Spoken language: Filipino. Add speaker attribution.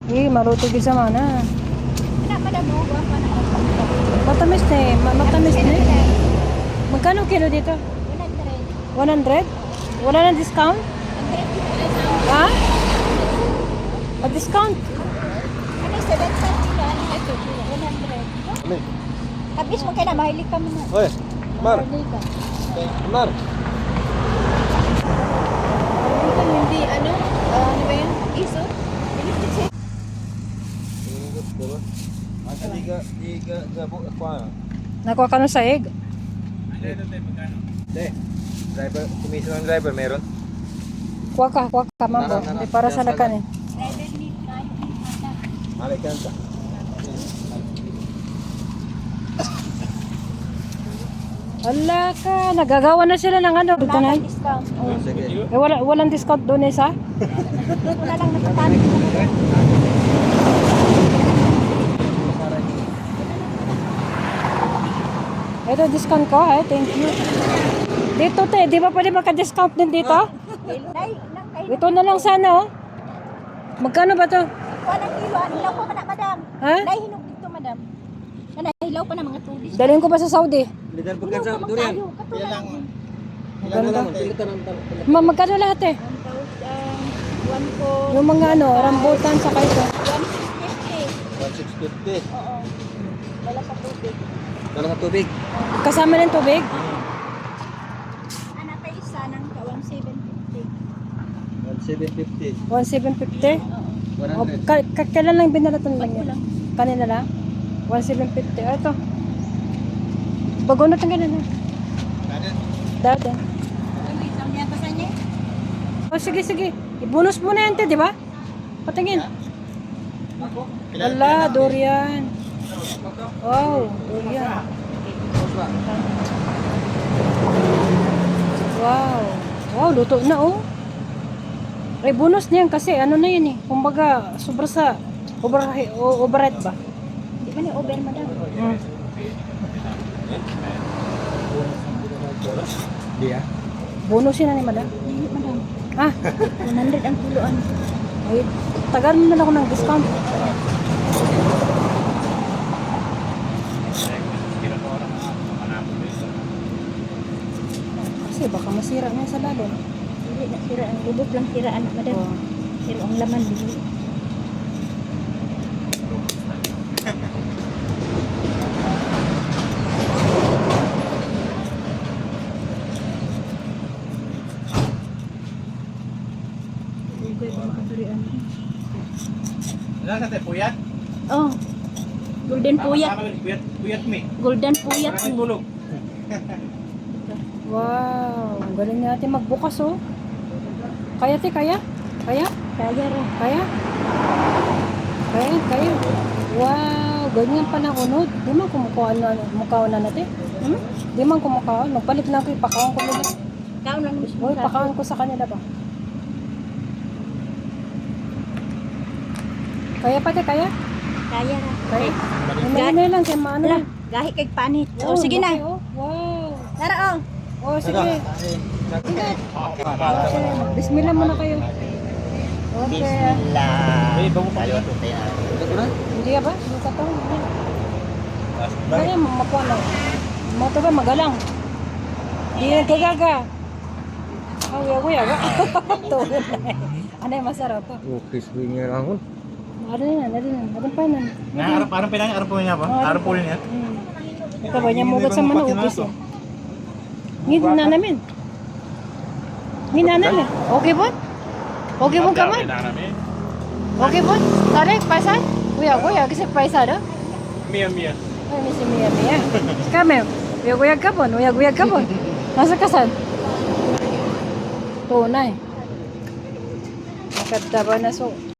Speaker 1: Maluto gid sa mana.
Speaker 2: Anak madamo wa pa na.
Speaker 1: Matamis na eh. Matamis na eh. Magkano kilo dito?
Speaker 2: 100.
Speaker 1: 100? Wala nang discount? Ha? Discount?
Speaker 2: Ano 7 kilo ano ito? 100. Tapos mo kaya na mahilig kami na.
Speaker 3: Oy, Mar.
Speaker 2: Mahilig ka.
Speaker 3: Mar.
Speaker 2: Hindi ano? Ano ba yun? Iso?
Speaker 3: Asa diga jabo kwa.
Speaker 1: Nakuha ka ng saig?
Speaker 3: De. Driver, commission ng driver meron.
Speaker 1: Kuha ka, mambo. Hindi para sa lakan eh.
Speaker 2: Driver need na.
Speaker 3: Malay ka sa.
Speaker 1: Wala ka, nagagawa na sila ng ano. Dito na.
Speaker 2: Discount.
Speaker 3: Sige.
Speaker 1: Walang discount doon eh sa?
Speaker 2: Wala lang natatanong.
Speaker 1: Ito discount ko eh, thank you. Dito te, di ba pwede maka-discount din dito? Ito na lang sana oh. Magkano ba to?
Speaker 2: Kuha ng kilo. Hilaw pa na, madam.
Speaker 1: Ha?
Speaker 2: Nahihinog dito, madam. Nahilaw pa na mga tubig.
Speaker 1: Dalhin ko ba sa Saudi?
Speaker 3: Lidan pagka sa durian.
Speaker 2: Pila lang.
Speaker 1: Maganda. Magkano lahat eh?
Speaker 2: 1 ko.
Speaker 1: Yung mga ano, rambutan sa ito.
Speaker 2: 150.
Speaker 3: 1650.
Speaker 2: Oo. Wala sa tubig.
Speaker 3: Wala ka tubig.
Speaker 1: Kasama ng tubig?
Speaker 2: Anak pa isa ng 1,750.
Speaker 3: 1750.
Speaker 1: 1,750?
Speaker 2: Oo.
Speaker 1: O,
Speaker 3: 100.
Speaker 1: kailan lang binalatan lang
Speaker 2: Bago
Speaker 1: yan?
Speaker 2: lang.
Speaker 1: Kanina lang? 1,750. Ito. Bago na tanggalin na. Dati.
Speaker 2: May isang niya pa sa niya.
Speaker 1: O sige. I-bonus mo na yan, te, di ba? Patingin. Wala, durian. Wow, durian. Wow, luto na oh. Ay, bonus niyan kasi ano na yun eh. Kumbaga, sobra sa override ba?
Speaker 2: Di ba ni over, madam?
Speaker 1: Hmm.
Speaker 3: Di ah.
Speaker 1: Bonus yun na ni madam.
Speaker 2: Hindi, madam.
Speaker 1: Ah,
Speaker 2: 100 ang kiloan.
Speaker 1: ay, tagal mo na ako ng discount. Kasi baka masira na sa lalo.
Speaker 2: Hindi na sira. Ang lubog lang siraan, madam.
Speaker 1: Oh.
Speaker 2: Pero ang laman, hindi.
Speaker 4: Ilan sa puyat?
Speaker 2: Oh. Golden puyat.
Speaker 4: Puyat mi.
Speaker 2: Golden puyat.
Speaker 4: Parang tulog.
Speaker 1: Wow, ang galing natin magbukas oh. Kaya te, kaya? Kaya?
Speaker 2: Kaya rin.
Speaker 1: Kaya? Kaya. Wow, ganyan pa na unod. Di man kumukuha na natin.
Speaker 2: Hmm?
Speaker 1: Di man kumukuha. Magpalit lang ko, ipakaon ko nila.
Speaker 2: Kaon lang mismo.
Speaker 1: Uy, pakaon ko sa kanila ba? Kaya pa te, kaya?
Speaker 2: Kaya rin.
Speaker 1: Kaya? May lang, kaya maano
Speaker 2: Ala,
Speaker 1: lang.
Speaker 2: gahi kay panit.
Speaker 1: Oh,
Speaker 2: Oh, sige na.
Speaker 1: laki, oh. Wow.
Speaker 2: Tara, oh.
Speaker 1: Oh, sige. Ingat. Okay, bismillah muna kayo. Okay.
Speaker 4: Uy, bago pa yun.
Speaker 1: Hindi ka ba? Hindi ka to? Kaya makuha lang. Mo to ba magalang? Hindi nagkagaga. Oh, yago. Tulad na eh. Ano yung masarap to?
Speaker 3: Oh, crispy nga lang.
Speaker 1: Ano pa na.
Speaker 4: Na arap pinang arap po niya ba? Arap po niya.
Speaker 1: Ito ba niya mugat sa manok ukis eh. Ngin na namin. Okay po? Okay po ka man? Okay po? Tarik, paisa? Kuya, kasi paisa do?
Speaker 4: Mia.
Speaker 1: Ay, may si Mia. Kami, uyag ka po. Nasa kasan? Tunay. Nakadaba na so.